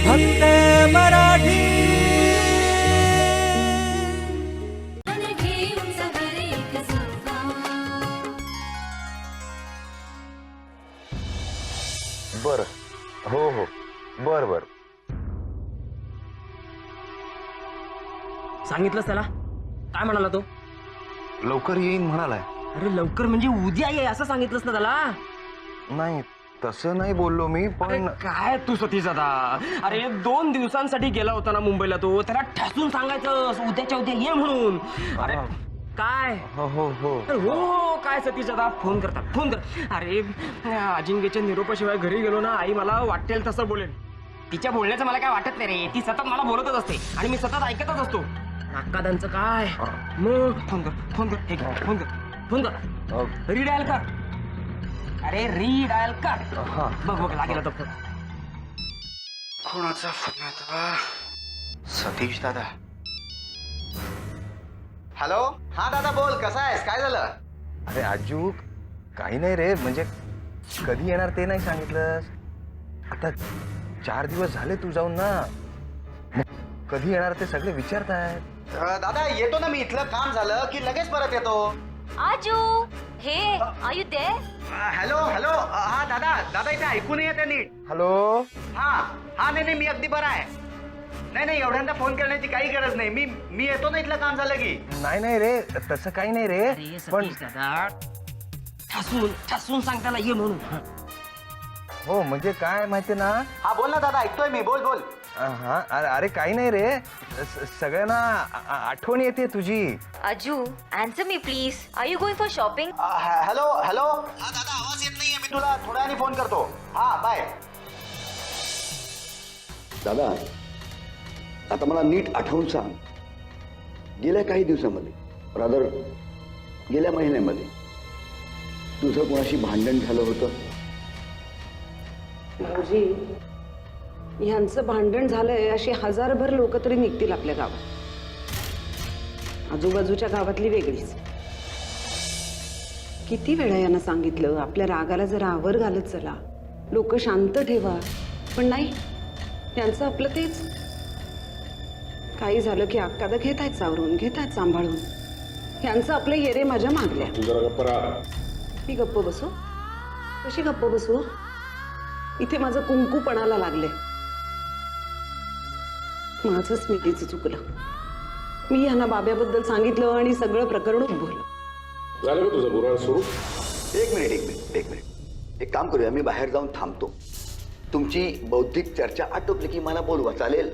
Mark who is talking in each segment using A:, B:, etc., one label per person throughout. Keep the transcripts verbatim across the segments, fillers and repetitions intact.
A: फक्त मराठी.
B: बर हो हो बर बर.
C: सांगितलंस त्याला? काय म्हणाला तो?
B: लवकर येईन म्हणालाय.
C: अरे लवकर म्हणजे उद्या ये असं सांगितलंस ना त्याला?
B: नाही तसं नाही बोललो मी,
C: अरे
B: पण
C: काय तू सतीश दादा, अरे दोन दिवसांसाठी गेला होता ना मुंबईला तो, त्याला ठसून सांगायचं उद्याच्या उद्या ये म्हणून. अरे काय
B: हो हो हो
C: अरे हो हो काय सतीश दादा, फोन करता फोन कर. अरे अजिंक्यच्या निरोपाशिवाय घरी गेलो ना, आई मला वाटेल तसं बोलेल. तिच्या बोलण्याचं मला काय वाटत नाही रे, ती सतत मला बोलतच असते आणि मी सतत ऐकतच असतो. नाकादांचं काय मग. फोन कर फोन कर हे घे, फोन कर फोन कर रिडायल कर. अरे रिडायल कर.
B: हा
C: बघ बघ लागेल तो फोन.
B: कोणाचा फोन येतो? सतीश दादा.
D: हॅलो. हा दादा बोल, कसा आहेस? काय झालं?
B: अरे आजू काही नाही रे, म्हणजे कधी येणार ते नाही सांगितलंस. आता चार दिवस झाले तू जाऊन ना, मग कधी येणार ते सगळे विचारतायत.
D: अ, दादा येतो ना मी, इथलं काम झालं की लगेच परत येतो.
E: आजू, हे are you there?
D: Uh, hello hello. Uh, हा दादा दादा इथे ऐकू नाही येते नीट.
B: हॅलो.
D: हा हा नाही नाही मी अगदी बरा आहे. नाही नाही एवढ्यांदा फोन करण्याची काही गरज नाही. मी मी येतो ना, इथलं काम झालं की.
B: नाही नाही रे, तसं काही नाही रे,
C: अरे
B: पण
C: सतीश दादा ठसून ठसून सांग त्याला ये म्हणून.
B: हो म्हणजे काय माहिती ना.
D: हा बोल ना दादा, ऐकतोय मी, बोल बोल.
B: हा अरे अरे काही नाही रे, स- सगळ्यांना आ- आ- आठवण येते तुझी.
E: Aaju, answer me please. Are you going for shopping?
D: Uh, ह- हॅलो हॅलो. हा दादा आवाज येत नाहीये, मी तुला थोड्या वेळाने फोन करतो. हा बाय.
F: दादा, आता मला नीट आठवून सांग, गेल्या काही दिवसामध्ये, रादर गेल्या महिन्यामध्ये तुझं कोणाशी भांडण झालं होतं?
G: भाऊजी, ह्यांचं भांडण झालंय अशी हजारभर लोक तरी निघतील आपल्या गावात. आजूबाजूच्या गावातली वेगळीच. किती वेळा यांना सांगितलं आपल्या रागाला जरा आवर घालत चला, लोक शांत ठेवा, पण नाही, यांचं आपलं तेच. काही झालं की अक्कादा घेतायत सावरून, घेतायत सांभाळून. यांचं आपलं येरे माझ्या मागल्या. मी गप्प बसू? कशी गप्प बसू? इथे माझं कुंकू पणाला लागले. माझं स्मृतीचं चुकलं. मी यांना बाब्याबद्दल सांगितलं आणि सगळं प्रकरण उद्भवलं.
H: झालं का तुझं बुराळ सुरू?
F: एक मिनिट एक मिनिट एक मिनिट एक काम करूया, मी बाहेर जाऊन थांबतो. तुमची बौद्धिक चर्चा आटोपली की मला बोलवा, चालेल?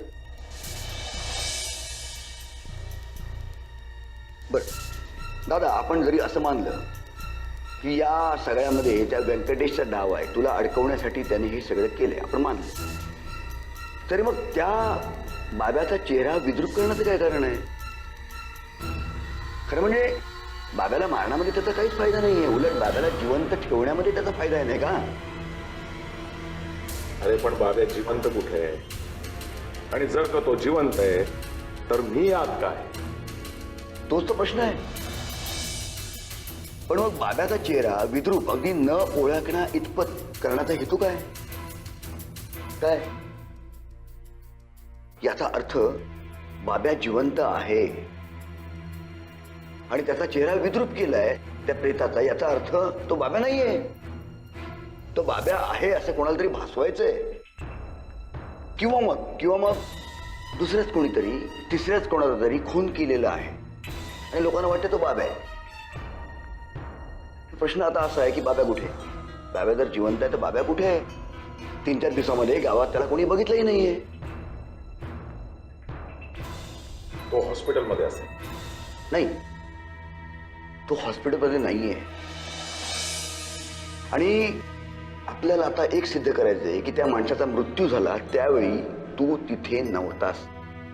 F: बर दादा, आपण जरी असं मानलं की या सगळ्यामध्ये त्या व्यंकटेशचा डाव आहे, तुला अडकवण्यासाठी त्याने हे सगळं केलंय, आपण मानलं, तरी मग त्या बाब्याचा चेहरा विद्रूप करण्याचं काय कारण आहे? खरं म्हणजे बाब्याला मारण्यामध्ये त्याचा काहीच फायदा नाहीये, उलट बाब्याला जिवंत ठेवण्यामध्ये त्याचा फायदा आहे, नाही का?
H: अरे पण बाब्या जिवंत कुठे आहे? आणि जर का तो जिवंत आहे तर मी आत काय?
F: तोच तो प्रश्न आहे. पण मग बाब्याचा चेहरा विद्रूप अगदी न ओळखणा इतपत करण्याचा हेतू काय? काय याचा अर्थ बाब्या जिवंत आहे आणि त्याचा चेहरा विद्रूप केलाय त्या प्रेताचा, याचा अर्थ तो बाब्या नाहीये, तो बाब्या आहे असं कोणाला तरी भासवायचंय. किंवा मग किंवा मग दुसऱ्याच कोणीतरी, तिसऱ्याच कोणाला तरी खून केलेला आहे आणि लोकांना वाटतं तो बाब्या आहे. प्रश्न आता असा आहे की बाब्या कुठे? बाब्या जर जिवंत आहे तर बाब्या कुठे आहे? तीन चार दिवसामध्ये गावात त्याला कोणी बघितलंही नाहीये.
H: तो हॉस्पिटलमध्ये असेल.
F: नाही, तो हॉस्पिटलमध्ये नाहीये. आणि आपल्याला आता एक सिद्ध करायचंय की त्या माणसाचा मृत्यू झाला त्यावेळी तू तिथे नव्हतास.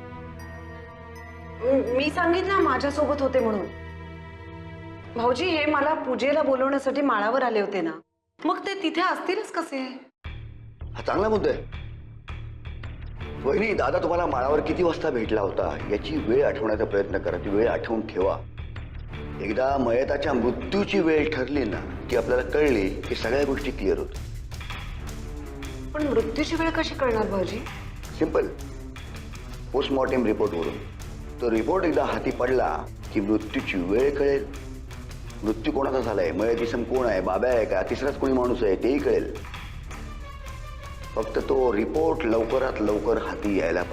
G: मी सांगितलं माझ्यासोबत होते म्हणून. भाऊजी, हे मला पूजेला बोलवण्यासाठी माळावर आले होते ना, मग ते तिथे असतीलच कसे?
F: हा चांगला मुद्दा आहे. वहिनी, दादा तुम्हाला माळावर किती वाजता भेटला होता याची वेळ आठवण्याचा प्रयत्न करा, ती वेळ आठवून ठेवा. एकदा मयताच्या मृत्यूची वेळ ठरली ना की आपल्याला कळली की सगळ्या गोष्टी क्लिअर होतात.
G: पण मृत्यूची वेळ कशी कळणार भाऊजी?
F: सिंपल. पोस्टमॉर्टम रिपोर्टवरून. तो रिपोर्ट एकदा हाती पडला की मृत्यूची वेळ कळेल, मृत्यू कोणाचा झालाय, मयत इसम कोण आहे, बाब्या आहे का, तिसराच कोणी माणूस आहे तेही कळेल. फक्त तो रिपोर्ट लवकरात लवकर हाती यायला पाहिजे.